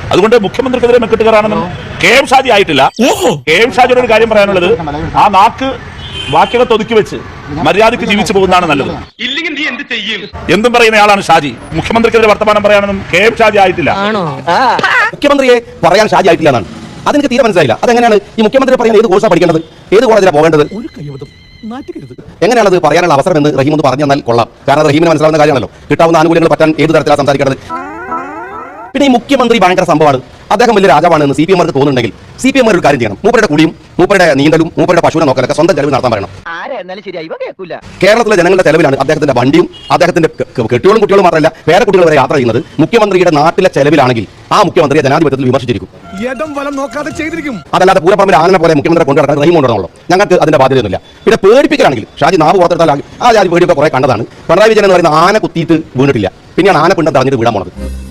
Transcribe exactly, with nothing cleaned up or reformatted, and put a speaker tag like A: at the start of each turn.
A: അതുകൊണ്ട് മുഖ്യമന്ത്രിക്കെതിരെ മെക്കിട്ട് കയറാണെന്നും കെ എം ഷാജി ആയിട്ടില്ല. കെ എം ഷാജിയുടെ ഒരു കാര്യം പറയാനുള്ളത്, ആ നാക്ക് വാക്യകത്ത് ഒതുക്കി വെച്ച് മര്യാദയ്ക്ക് ജീവിച്ചു പോകുന്നതാണ് നല്ലത്. എന്തും പറയുന്ന ആളാണ് ഷാജി. മുഖ്യമന്ത്രിക്കെതിരെ വർത്തമാനം പറയാനൊന്നും കെ എം ഷാജി ആയിട്ടില്ല.
B: മുഖ്യമന്ത്രിയെ പറയാൻ ഷാജി ആയിട്ടില്ല എന്നാണ്. അതെനിക്ക് തീരെ മനസ്സിലായില്ല. അതെങ്ങനെയാണ് ഈ മുഖ്യമന്ത്രി പറയുന്നത്? ഏത് കോഴ്സാണ് പഠിക്കേണ്ടത്? ഏത് കോളേജിലാണ് പോകേണ്ടത്? എങ്ങനെയാണത് പറയാനുള്ള അവസരം എന്ന് റഹീം ഒന്ന് പറഞ്ഞു തന്നാൽ കൊള്ളാം. കാരണം റഹീമിന് മനസ്സിലാവുന്ന കാര്യമാണല്ലോ. കിട്ടാവുന്ന ആനുകൂല്യങ്ങൾ പറ്റാൻ ഏത് തരത്തിലാണ് സംസാരിക്കേണ്ടത്? പിന്നെ ഈ മുഖ്യമന്ത്രി ഭയങ്കര സംഭവമാണ്, അദ്ദേഹം വലിയ രാജാവാണ് എന്ന് സി പി എമാർക്ക് തോന്നുന്നുണ്ടെങ്കിൽ സി പി എമാർ ഒരു കാര്യം ചെയ്യണം. മൂപ്പരുടെ കുളിയും മൂപ്പരുടെ നീന്തലും മൂപ്പരുടെ പശുവിനെ നോക്കലൊക്കെ സ്വന്തം ചെലവ് നടത്താൻ പറയണം. കേരളത്തിലെ ജനങ്ങളുടെ ചെലവിലാണ് അദ്ദേഹത്തിന്റെ വണ്ടിയും അദ്ദേഹത്തിന്റെ കെട്ടിയോളും കുട്ടികളും മാത്രമല്ല വേറെ കുട്ടികൾ വരെ യാത്ര ചെയ്യുന്നത്. മുഖ്യമന്ത്രിയുടെ നാട്ടിലെ ചെലവിലാണെങ്കിൽ ആ മുഖ്യമന്ത്രിയെ ജനാധിപത്യത്തിൽ വിമർശിച്ചിരിക്കും. അതല്ലാതെ പൂരപ്പറമ്പിൽ ആനനെ പോലെ മുഖ്യമന്ത്രി കൊണ്ടുനടക്കാൻ റഹീം കൊണ്ടുവരണമല്ലോ. ഞങ്ങൾക്ക് അതിന്റെ ബാധ്യതയൊന്നുമില്ല. പിന്നെ പേടിപ്പിക്കലാണെങ്കിൽ ഷാജി നാവ് പുറത്തെടുത്താൽ ആ ജാതി പേടിയൊക്കെ കുറെ കണ്ടതാണ്. പിണറായി വിജയൻ എന്ന് പറയുന്ന ആന കുത്തിയിട്ട് വീണിട്ടില്ല, പിന്നെയാണ് ആന പിണ്ടം തടഞ്ഞിട്ട് വീടാൻ പോണത്.